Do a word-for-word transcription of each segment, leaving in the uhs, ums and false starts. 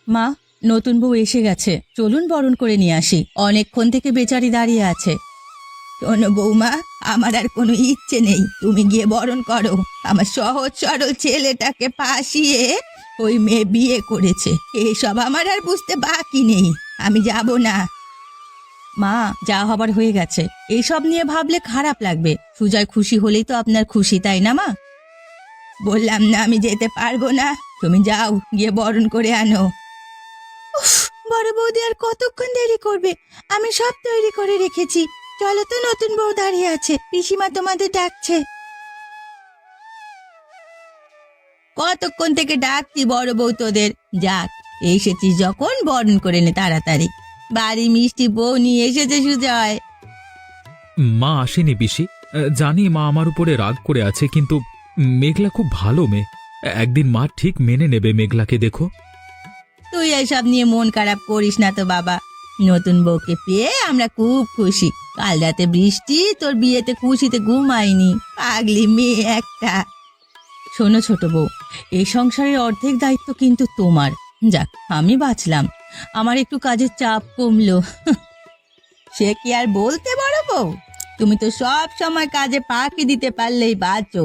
মা, নতুন বউ এসে গেছে, চলুন বরণ করে নিয়ে আসি। অনেকক্ষণ থেকে বেচারি দাঁড়িয়ে আছে। শোনো বৌমা, আমার আর কোনো ইচ্ছে নেই, তুমি গিয়ে বরণ করো। আমার সহজ সরল ছেলেটাকে ফাঁসিয়ে ওই মেয়ে বিয়ে করেছে, এসব আমার আর বুঝতে বাকি নেই। আমি যাব না। মা, যা হবার হয়ে গেছে, এইসব নিয়ে ভাবলে খারাপ লাগবে। সুজয় খুশি হলেই তো আপনার খুশি, তাই না মা? বললাম না আমি যেতে পারবো না, তুমি যাও, গিয়ে বরণ করে আনো। উফ, বড় বৌদি আর কতক্ষণ দেরি করবে? আমি সব তৈরি করে রেখেছি। চলো তো, নতুন বউ দাঁড়িয়ে আছে, পিসিমা তোমাদের ডাকছে। কতক্ষণ থেকে ডাকছি বড় বউ তোদের। যাক, এসেছিস যখন বরণ করে নে তাড়াতাড়ি। বাড়ি মিষ্টি বউ নিয়ে এসেছে সুজয়। মা আসেনি পিসি। জানি মা আমার উপরে রাগ করে আছে, কিন্তু মেঘলা খুব ভালো মেয়ে। একদিন মা ঠিক মেনে নেবে মেঘলাকে, দেখো। তুই এসব নিয়ে মন খারাপ করিস না তো বাবা। নতুন বউকে পেয়ে আমরা খুব খুশি। কাল রাতে বৃষ্টি তোর বিয়েতে খুশিতে ঘুমায়নি, পাগলি মেয়ে একটা। শোনো ছোট বউ, এই সংসারের অর্ধেক দায়িত্ব কিন্তু তোমার। যাক, আমি বাঁচলাম, আমার একটু কাজের চাপ কমলো। সে কি আর বলতে বড় বউ, তুমি তো সব সময় কাজে ফাঁকি দিতে পারলেই বাঁচো।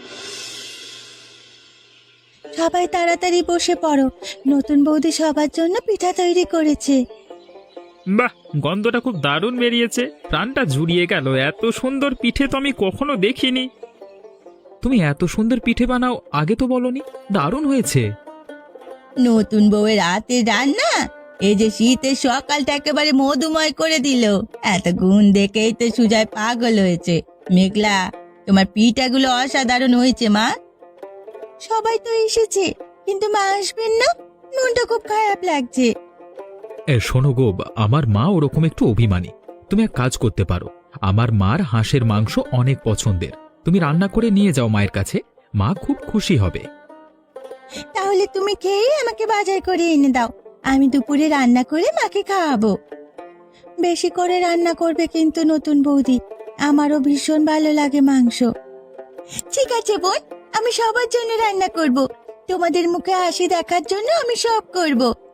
সবাই তাড়াতাড়ি বসে পড়ো, নতুন বৌদি সবার জন্য পিঠা তৈরি করেছে। বাহ, গন্ধটা খুব দারুণ বেরিয়েছে, প্রাণটা জুড়িয়ে গেল। এত সুন্দর পিঠে তো আমি কখনো দেখিনি। তুমি এত সুন্দর পিঠে বানাও, আগে তো বলনি। দারুণ হয়েছে। নতুন বউয়ের হাতের রান্না, এই যে শীতের সকালটা একেবারে মধুময় করে দিল। এত গুণ দেখেই তো সুজয় পাগল হয়েছে। মেঘলা, তোমার পিঠাগুলো অসাধারণ হয়েছে মা। সবাই তো এসেছে, কিন্তু মা আসবেন না, মনটা খুব খারাপ লাগছে। এ শোনো গো, আমার মা ওরকম একটু অভিমানী। তুমি এক কাজ করতে পারো, আমার মার হাঁসের মাংস অনেক পছন্দের, তুমি রান্না করে নিয়ে যাও মায়ের কাছে, মা খুব খুশি হবে। তাহলে তুমি খেয়ে আমাকে বাজার করে এনে দাও, আমি দুপুরে রান্না করে মাকে খাওয়াবো। বেশি করে রান্না করবে কিন্তু নতুন বৌদি, আমারও ভীষণ ভালো লাগে মাংস। ঠিক আছে বোন, আমি সবার জন্য রান্না করব। তোমাদের মুখে হাসি দেখার জন্য আমি সব করব।